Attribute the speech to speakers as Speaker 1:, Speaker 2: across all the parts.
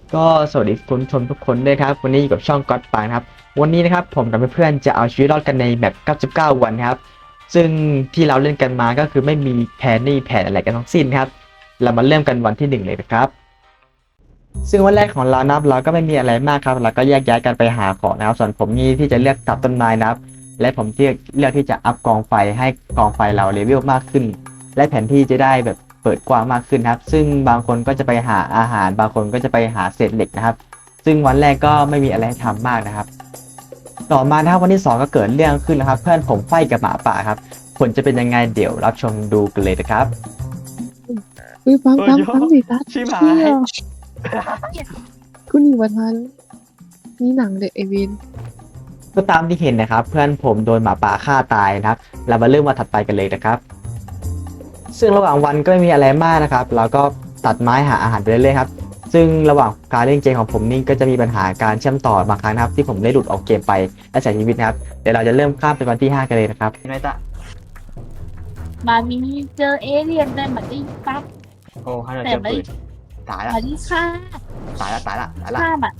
Speaker 1: ก็สวัสดีคุณผู้ชมทุกคนด้วยครับวันนี้อยู่กับช่องก็อดปางครับวันนี้นะครับผมกับเพื่อนๆจะเอาชีวิตรอดกันในแบบ99 วันครับซึ่งที่เราเล่นกันมาก็คือไม่มีแผนนี่แผนอะไรกันทั้งสิ้นครับเรามาเริ่มกันวันที่1เลยนะครับซึ่งวันแรกของเรานับเราก็ไม่มีอะไรมากครับเราก็แยกย้ายกันไปหาของนะครับส่วนผมนี่ที่จะเลือกตัดต้นไม้นะครับและผมที่เลือกที่จะอัพกองไฟให้กองไฟเราเลเวลมากขึ้นและแผนที่จะได้แบบเปิดกว้างมากขึ้นครับซึ่งบางคนก็จะไปหาอาหารบางคนก็จะไปหาเศษเหล็กนะครับซึ่งวันแรกก็ไม่มีอะไรให้ทำมากนะครับต่อมานะครับวันที่2ก็เกิดเรื่องขึ้นนะครับเพื่อนผมไฟกับหมาป่าครับผลจะเป็นยังไงเดี๋ยวรับชมดูกันเลยนะครับ
Speaker 2: อุ้ยฟังสิตัด
Speaker 1: ชิบหา
Speaker 2: เชี่
Speaker 1: ย
Speaker 2: ยคุณหญิงวันทันนี่หนังเด็กไอวิน
Speaker 1: ก็ตามที่เห็นนะครับเพื่อนผมโดนหมาป่าฆ่าตายนะครับเรามาเริ่มวันถัดไปกันเลยนะครับซึ่งระหว่างวันก็ไม่มีอะไรมากนะครับเราก็ตัดไม้หาอาหารไปเรื่อยๆครับซึ่งระหว่างการเล่นเกมของผมนี่ก็จะมีปัญหาการเชื่อมต่อบางครั้งนะครับที่ผมได้หลุดออกเกมไปและเสียชีวิตนะครับเดี๋ยวเราจะเริ่มข้ามไปวันที่5กันเลยนะครับไม่ตะ
Speaker 3: มามีเจอเอเลี่ยนได้มาได้ปั๊บ
Speaker 1: โอ้ฮันเดอร์
Speaker 3: แต่
Speaker 1: เจอ
Speaker 3: ไม่
Speaker 1: ปืนตายละ
Speaker 3: มาที่ฆ่า
Speaker 1: ตายละตายละตายละ
Speaker 3: ฆ่าแบบ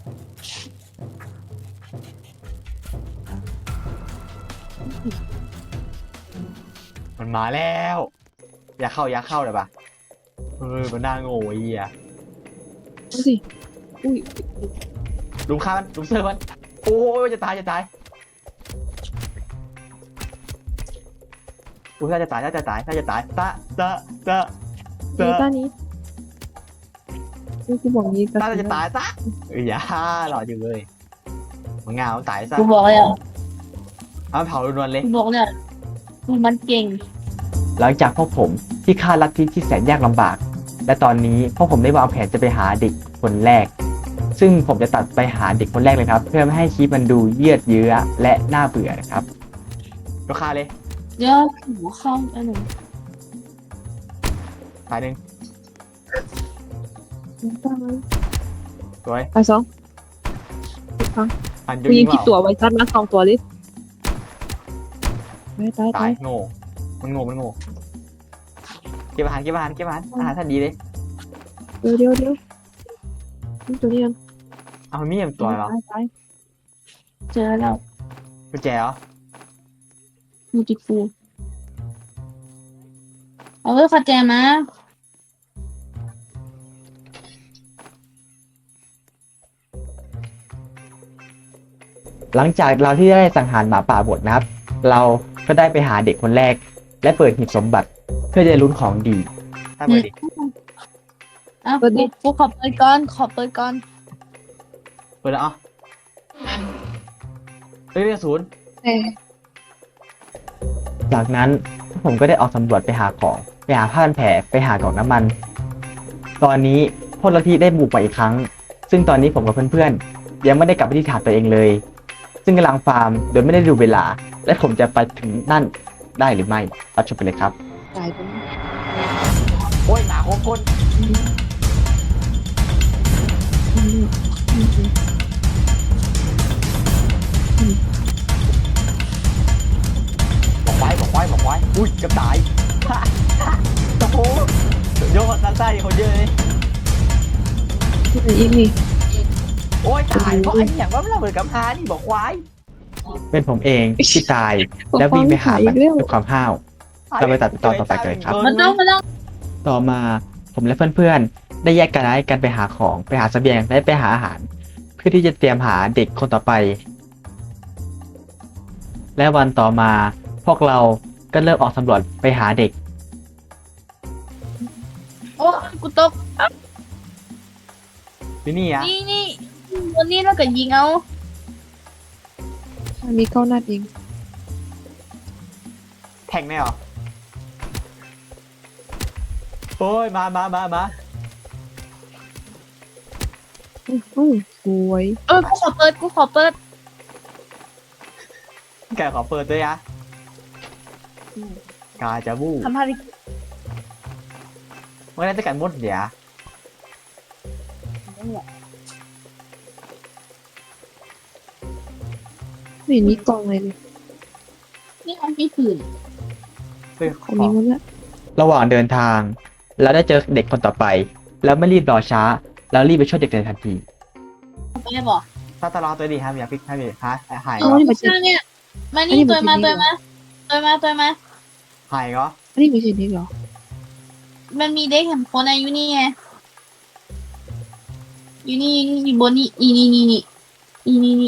Speaker 1: มันมาแล้วอย่าเข้าเลยปะมันน่าโง่ไอ้เหี้ย
Speaker 2: ดูสิอุ้ย
Speaker 1: ลุมฆ่ามันลุมเซอร์มันโอ้ยจะตายอุ้ยน่าจะตายตะ
Speaker 2: นี่ต้านี้นี่กูบอกนี้
Speaker 1: น่าจะตายซะอย่าหล่ออยู่เลยมันเงาตายซะ
Speaker 3: กูบอกเลยอ่ะ
Speaker 1: เอาเผาล้วนๆเลย
Speaker 3: กูบอกเนี่ยมันเก่ง
Speaker 1: หลังจากพวกผมที่ฆ่าลัทธิที่แสนยากลำบากและตอนนี้พวกผมได้วางแผนจะไปหาเด็กคนแรกซึ่งผมจะตัดไปหาเด็กคนแรกเลยครับเพื่อไม่ให้คลิปมันดูเยืดเยื้อและน่าเบื่อนะครับก็ฆ่าเลย
Speaker 3: เดี๋ยวหูเข้าอันหนึ่ง
Speaker 1: ตายหนึ่ง
Speaker 2: ตาย
Speaker 1: สวย
Speaker 2: ตายสอง
Speaker 1: อัน
Speaker 2: กูยิงผิดตัวไว้ซัดมา2 ตัวเลยตาย
Speaker 1: ตายโง่มันโง่เก็บอาหารอาหารท่านดีเลย
Speaker 2: เดี๋ยวนี่ตัวนี้ยัง
Speaker 1: เอามันมีอย่างตัวเหรอ
Speaker 2: ตาย
Speaker 3: เจอแล้ว
Speaker 1: กุญแจเหรอ
Speaker 3: มูจิฟูเอาไว้ขัดแจมา
Speaker 1: หลังจากเราที่ได้สังหารหมาป่าหมดนะครับเราก็ได้ไปหาเด็กคนแรกและเปิดหีบสมบัติเพื่อจะลุ้นของดีถ้าเปิดดิ
Speaker 3: อ้าวกูขอเปิดก่อน
Speaker 1: เปิดแล้วอ๋อเฮ้ยเรื่องศูนย์
Speaker 2: แต่
Speaker 1: จากนั้นผมก็ได้ออกสำรวจไปหาของไปหาผ้าพันแผลไปหากล่องน้ำมัน ตอนนี้พลทีได้บุกมาอีกครั้ง ซึ่งตอนนี้ผมกับเพื่อนๆยังไม่ได้กลับไปที่ฐานตัวเองเลย ซึ่งกำลังฟาร์มโดยไม่ได้ดูเวลา และผมจะไปถึงนั่นได้หรือไม่รับชมไปเลยครับ
Speaker 2: ตายไปแล้ว
Speaker 1: โอ้ยหนาโคตรบอกไว้อุ้ยจะตายโอ้โหโยกด้านใต้เขาเยอะเลย
Speaker 2: อีกนี่
Speaker 1: โอ้ยตายเพราะไอ้อย่างว่ามันระเบิดกำพร้านี่บอกควายเป็นผมเองที่ตายแล้ววิ่งไปหามันด้วยความห้าวเราไปตัดตอนต่อไปกันเลยครับ
Speaker 3: มันต้อง
Speaker 1: ต่อมาผมและเพื่อนๆได้แยกกันย้ายกันไปหาของไปหาเสบียงและไปหาอาหาร เพื่อที่จะเตรียมหาเด็กคนต่อไป และวันต่อมาพวกเราก็เริ่มออกสำรวจไปหาเด็ก
Speaker 3: โอ้กูตก
Speaker 1: นี่อ่ะ
Speaker 3: นี่วันนี้เราก็ยิงเอา
Speaker 2: มีเข้าหน้าเอง
Speaker 1: แทงได้หรอโอ้ยมา
Speaker 2: สวย
Speaker 3: กูขอเปิด
Speaker 1: แกขอเปิดด้วยอะกาจะบู้
Speaker 3: ทำภารกิจ
Speaker 1: ไม่ได้จะกันมดเดี๋ยว
Speaker 2: ไม่เห็นมีกล่องเลย
Speaker 3: นี่มันมีผื่น
Speaker 2: ของมีหมดแล้ว
Speaker 1: ระหว่างเดินทางเราได้เจอเด็กคนต่อไป แล้วไม่รีบรอช้าแล้วรีบไปช่วยเด็กในทันที
Speaker 3: ไม่ได้บอก
Speaker 1: ถ้าตลอดตัวดีครับอย่าพิกให้มีฮะหาย
Speaker 2: เอา
Speaker 1: เหรอ
Speaker 2: อันนี้ไม่ใช่
Speaker 3: ช่างเนี่ยมานี่ตัวมา
Speaker 1: หายเหรอ
Speaker 2: อันนี้ไม่ใช่เด็กเหรอ
Speaker 3: มันมีเด็กแห่งคนอายุนี่ไงอยู่นี่อยู่บนนี่นี่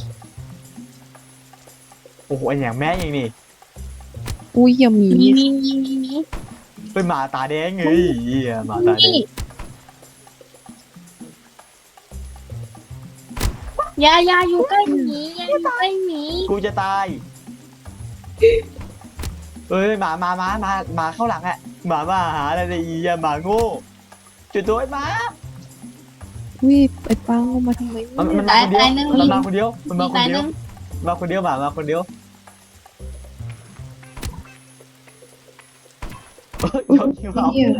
Speaker 1: โอ้โหไอ้อย่างแม่อย่างนี้
Speaker 2: อุ้ยอย่ามี
Speaker 3: นี่
Speaker 1: เป็นหมาตาแดงไงเหี้ยหมาตาแดง
Speaker 3: นี่อย่าอยู่ใกล้หมีอย่าอยู่ใกล้หมี
Speaker 1: กูจะตายเอ้ยหมาเข้าหลังอะหมาหาอะไรเนี่ยอีหมาโง่จุดตัวไอ้หมา
Speaker 2: อุ้ยไอ้ปังเอามาทำไม
Speaker 1: มัน
Speaker 2: เนี่ย
Speaker 1: มาคนเดียวมันมาคนเดียวมาคนเดียวหมาคนเดียวยกนิ้วเอา
Speaker 2: เนี่ย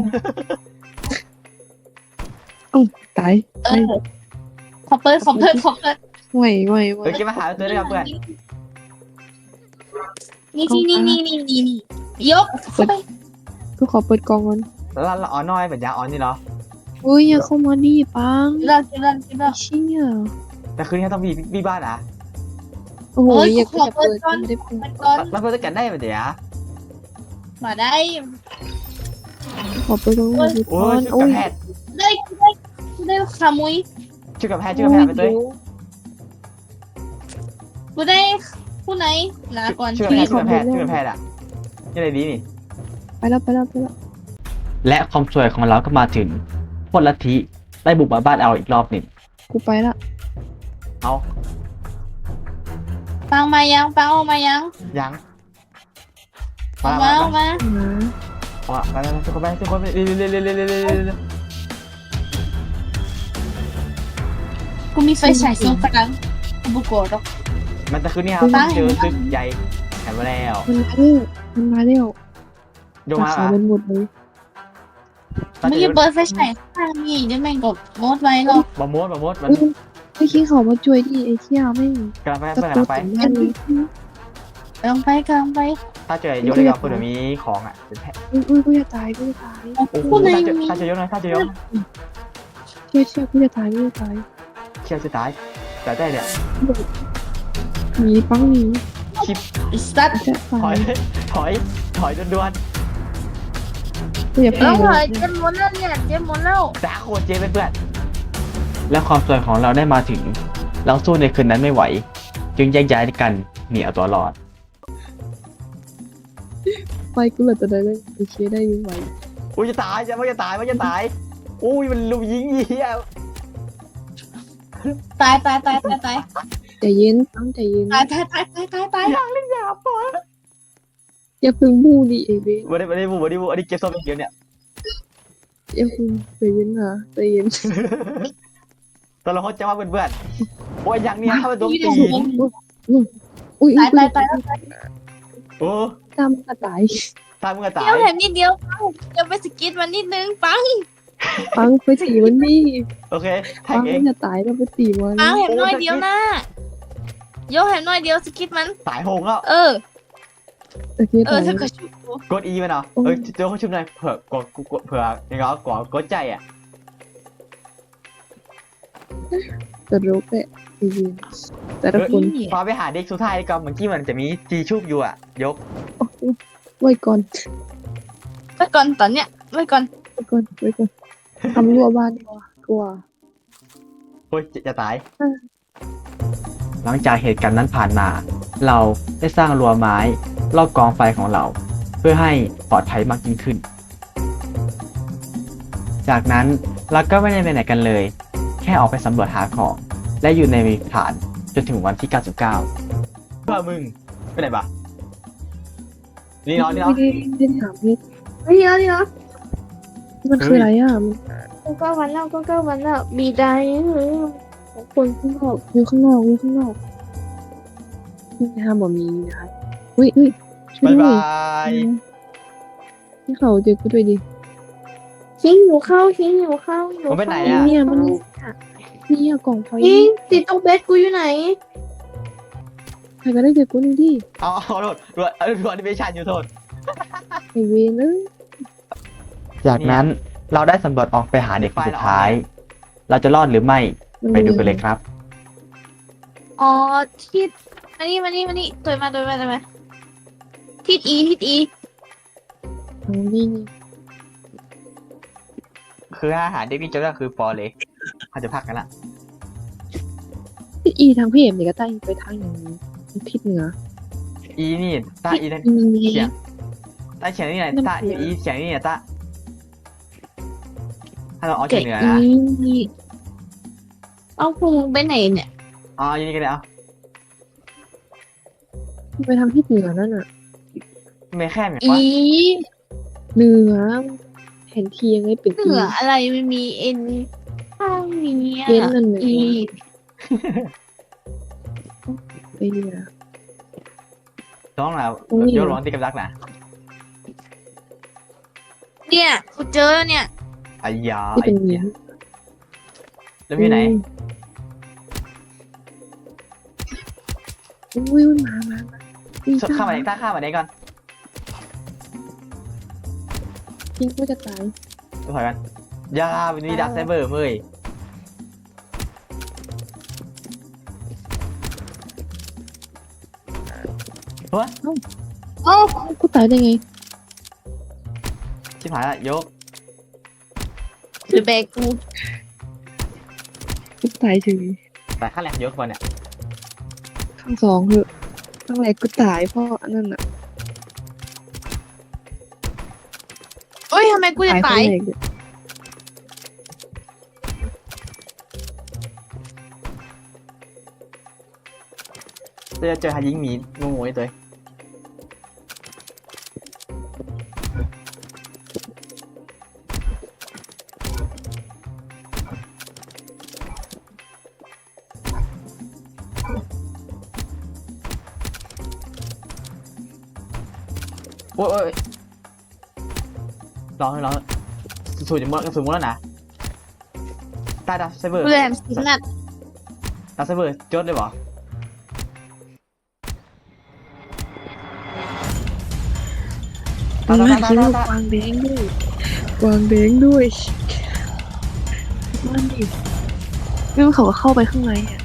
Speaker 2: เอ้าตาย
Speaker 3: เออขอเปิด
Speaker 2: ไหว
Speaker 1: เฮ้ยแกมาหาตัวด้วยครับเพื่อน
Speaker 3: นี่ยกเข้าไป
Speaker 2: ก็ขอเปิดกล่องก่อน
Speaker 1: แล้วเราอ๋อน้อยเป็นยาอ๋อนนี่เหรอ
Speaker 2: อุ้ยอย่าเข้ามาดิปัง
Speaker 3: เลิก
Speaker 2: เชี่ย
Speaker 1: แต่คืนนี้ต้องมีบ้านอ่ะ
Speaker 2: โอ้โห
Speaker 3: เอ้ย
Speaker 2: อย่า
Speaker 3: ขอเปิ
Speaker 2: เปิ
Speaker 3: ด
Speaker 2: ด
Speaker 3: ก่อน
Speaker 2: ไม่ได้เปิด
Speaker 3: มันก่อน
Speaker 1: แล้วเพื่อนจะกันได้ไหมเดี๋ยว
Speaker 3: มาได้
Speaker 2: ขอเปิดกล่องก่อน
Speaker 1: โอ้ย
Speaker 2: โอ้
Speaker 1: กับ
Speaker 2: ย
Speaker 1: แพทย์
Speaker 3: ได้ขโมย
Speaker 1: ชื่อกับแพทย์ไปด้วย
Speaker 3: กูได้ผู้ไหนลาก่อน
Speaker 1: ชื่อกับแพทย์อ่ะยังไงดีนี่
Speaker 2: ไปแล้ว
Speaker 1: และความสวยของเราก็มาถึงพวกลัทธิได้บุกมาบ้านเอาอีกรอบหนึ่ง
Speaker 2: กูไปละ
Speaker 1: เอา
Speaker 3: ปังมายังปังออกมายัง
Speaker 1: ยัง
Speaker 3: ออกมา
Speaker 2: มา
Speaker 1: ไปทุกคนไปเร็ว
Speaker 3: กูมีไฟฉายส่องกลางกูบุกโกรธหรอก
Speaker 1: มันจะคืนนี้ครับเจอซึกใหญ่แถมมาแล้ว
Speaker 2: มันมาเร็ว
Speaker 1: โยมา
Speaker 2: ขาเป็นหมดเลย
Speaker 3: มึงอย่าเปิดไฟฉายข้างนี่เดี๋ยวแม่งกดงดไว้หรอก
Speaker 1: บะมดมัน
Speaker 2: ไอ้ขี้เขามาช่วยดิไอ้เชี่ยไม่
Speaker 1: กำลังไป
Speaker 2: ตะ
Speaker 1: กำ
Speaker 2: โก
Speaker 1: ลั
Speaker 2: น
Speaker 1: งไป
Speaker 2: ถึงบ้านเลย
Speaker 3: กำลังไป
Speaker 1: ถ้าเจอโยนได้กับคนมีของอ่ะเป็นแพะ
Speaker 2: อุ้ยกูจะตาย
Speaker 1: โอ้โห
Speaker 3: ผู้ไหนมี
Speaker 1: ถ้าจะโยน
Speaker 2: เชื่อกูจะตาย
Speaker 1: เชี่ยวจะตายแต่ได้เนี่ย
Speaker 2: หนีปังหนี
Speaker 3: สัตว์
Speaker 2: จะตาย
Speaker 1: ถอยด่วน
Speaker 2: กูอย่า
Speaker 3: แล้ว
Speaker 2: ไป
Speaker 3: เหรอเจ็บหมดแล้วเนี่ยเจ็บหมดแล้ว
Speaker 1: ด่าโคตรเจ๊เพื่อนและความสวยของเราได้มาถึง เราสู้ในคืนนั้นไม่ไหว จึงแยกย้ายกันหนีเอาตัวรอด
Speaker 2: ไปกูเหลือแต่ได้เลยโอเคได้ยังไหว
Speaker 1: อุ้ยจะตายจะตายอุ้ยมันลุมยิงเหี้ย
Speaker 3: ตาย
Speaker 2: ใจเย็นปังใจเย็น
Speaker 3: ตาย
Speaker 1: อยากเล่นยาปอ
Speaker 2: อย่าพึ่งบูดิเอเบ
Speaker 1: วันนี้บูอันนี้เก็บส้มเดียวเนี่ย
Speaker 2: อย่าพึ่งใจเย็นนะใจเย็น
Speaker 1: ตอนเราเขาจะมาเพื่อนโอ้ยอย่างนี้ถ้าเป็นตัวตี
Speaker 2: อุ้ย
Speaker 3: ตาย
Speaker 1: โอ้
Speaker 2: ตามกระต่าย
Speaker 1: ตายมึงก็ตาย
Speaker 3: เดี๋ยวเห็นนิดเดียวจะไปสกิดมันนิดนึงปัง
Speaker 2: ปังไปตีมันนี่
Speaker 1: โอเคแท
Speaker 2: ปั
Speaker 1: ง
Speaker 2: ง
Speaker 1: เอ
Speaker 2: มั
Speaker 1: ง
Speaker 2: นจะตายแล้วไปตีมัน
Speaker 3: ปังเห็นน้อยเดียวนะโยเห็นน้อยเดียวสกิดมัน
Speaker 1: ตายโหงแล้ว
Speaker 3: เออ
Speaker 2: โอเคตาย
Speaker 3: ถ้าเกิดชุบกู
Speaker 1: กดอีมันเหรอเอ้ยเจอเขาชุบหน่อยเผื่ยังไงกดใจอ่ะ
Speaker 2: แต่รู้แหละใจเย็นแต่ละคน
Speaker 1: พอไปหาเด็กสุดท้ายก็เมื่อกี้มันจะมีจีชุบอยู่อ่ะยก
Speaker 2: ไว้ก่อน
Speaker 3: ไว้ก่อนตอนเนี้ยไว้ก่อน
Speaker 2: ทำรั้วบ้านดีกว่ากลัว
Speaker 1: โอ้ยจะตาย หลังจากเหตุการณ์นั้นผ่านมา เราได้สร้างรั้วไม้รอบกองไฟของเรา เพื่อให้ปลอดภัยมากยิ่งขึ้น จากนั้นเราก็ไม่ได้ไปไหนกันเลย แค่ออกไปสำรวจหาของ และอยู่ในฐานจนถึงวันที่ 99 เพื่อมึงไปไหนปะนี่เนาะ
Speaker 2: ไม่ได้ถามเพชร
Speaker 3: เดี๋ยว
Speaker 2: มันคืออะไรอ่ะ
Speaker 3: ก็วันแล้วมีได้
Speaker 2: คนข้างนอกอยู่ข้างนอกนี่ห้ามบ่มีนะคะอุ้ยช่วย
Speaker 1: บ๊าย
Speaker 2: ด้วย
Speaker 1: บาย
Speaker 2: ที่เขาเจอกูด้วยดิ
Speaker 3: ทิ้งอยู่เข้า
Speaker 1: ผมไปไหนอ่ะ
Speaker 2: เนี่ยมันเนี่ยกล่องไฟ
Speaker 3: ทิ้งติดตรงเบสกูอยู่ไหน
Speaker 2: ใครก็ได้เจอกูนี่ดิ
Speaker 1: เอาโทษรวดแอนิเมชันอยู่โทษ
Speaker 2: ไอเวนเอ้ย
Speaker 1: จากนั้นเราได้สำรวจออกไปหาเด็กคนสุดท้ายเราจะรอดหรือไม่ไปดูกันเลยครับ
Speaker 3: อ๋อทิศมานี่ตัวมาทิศอี
Speaker 2: อ๋อนี่
Speaker 1: คืออาหารเด็กนี่จะได้คือปอเลยเขาจะพักกันละ
Speaker 2: ทิศอีทางพี่เอ็มเนี่ยก็ใต้ไปทางอย่างนี้ทิศเหนือ
Speaker 1: อีนี่ตาอีนั่น
Speaker 2: มี
Speaker 1: เฉียงตาเฉียงนี่ไหนตาอีเฉียงนี่ไหนตาถ้าเราเอาเฉี
Speaker 3: แกะ
Speaker 1: ยงเหนือ
Speaker 3: อี
Speaker 1: นะ
Speaker 3: นี่เอาพุงไปไหนเนี่ย
Speaker 1: อ๋ออย่างนี้ก็ได้เอา
Speaker 2: ไปทางทิศเหนือนั่นน่ะ
Speaker 1: ไม่แค่แบบ
Speaker 3: อี
Speaker 1: ว่า
Speaker 2: เหนือแผนที่ยังไงเป็น
Speaker 3: เหนืออะไรไม่มีเอ็นข้างนี้
Speaker 2: เย็นนั่นเลย
Speaker 3: อี
Speaker 2: ไอ้เนี่ย
Speaker 1: ร้องแล้ว
Speaker 2: ตรงนี้
Speaker 1: ยกร้องตีกับดักนะ
Speaker 3: เนี่ยกูเจอแล้วเนี่ย
Speaker 1: ไอ้ยา
Speaker 2: ที่เป็น
Speaker 1: ไอ้
Speaker 2: เหนื
Speaker 1: เหี้
Speaker 2: อย
Speaker 1: แล้วมีไหน
Speaker 2: อุ้ยมาอี
Speaker 1: ข้ามมาไหนตาข้ามมาไหนก่อน
Speaker 2: ทิ้งก็จะตาย
Speaker 1: ดูถอยกันยาวันนี้ดักไซเบอร์เมื่อยวะ
Speaker 3: โอ้
Speaker 2: กูตายได้ไง
Speaker 1: ชิบหายละยก
Speaker 3: หรือแบกกู
Speaker 2: กูตายเฉย
Speaker 1: แต่ขั้นแรกยกคนเนี่ย
Speaker 2: ข้างสองเหอะข้างแรกกูตายเพราะอันนั้นน่ะ
Speaker 3: เอ้ยทำไมกูจะ
Speaker 2: ข้า
Speaker 3: ตาง ย
Speaker 2: แรกเนี่ย
Speaker 1: เจอหายิงหมีงูไอ้ตัวโอ้ยร้องสูดจะหมดสูดหมดแล้วนะตายดักไซเบอร์
Speaker 3: กูเลยแหลมสิบนัด
Speaker 1: ดักไซเบอร์จดเลยเหรอ
Speaker 2: มันมาซื้อกวางแดงด้วยกวางแดงด้วยมันดิไม่ว่าเขาก็เข้าไปข้างในอ่ะ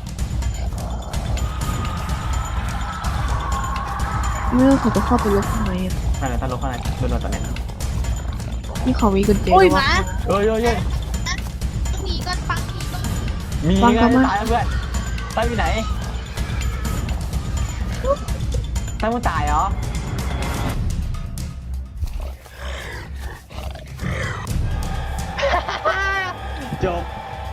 Speaker 2: ไม่ว่าเขาก็เข้าไปลบข้างในอ่ะ
Speaker 1: นั่นแหละถ้าลงข้างในโดนตอนนี้
Speaker 2: นี่เขามีกุญแจ
Speaker 3: โอ้ยห
Speaker 2: ว่า
Speaker 3: มา
Speaker 1: เฮ้ย
Speaker 3: หนีก่อนปังหนีก่อน
Speaker 1: มี
Speaker 2: ฟัง
Speaker 1: ไง
Speaker 2: เขามา
Speaker 1: ตายแล้วเพื่อนตายอยู่ไหนตายมึงตายเหรอจบ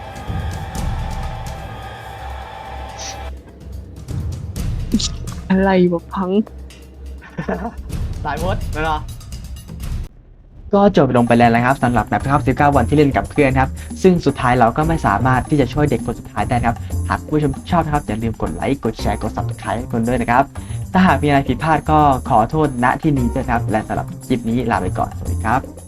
Speaker 2: อะไรแบบพัง
Speaker 1: ตายหมดแล้วเนาะก็จบลงไปแล้วนะครับสำหรับแมปครับ19 วันที่เล่นกับเพื่อนครับซึ่งสุดท้ายเราก็ไม่สามารถที่จะช่วยเด็กคนสุดท้ายได้ครับหากผู้ชมชอบนะครับอย่าลืมกดไลค์กดแชร์กด subscribe ให้คนด้วยนะครับถ้าหากมีอะไรผิดพลาดก็ขอโทษณที่นี้ด้วยครับและสำหรับคลิปนี้ลาไปก่อนสวัสดีครับ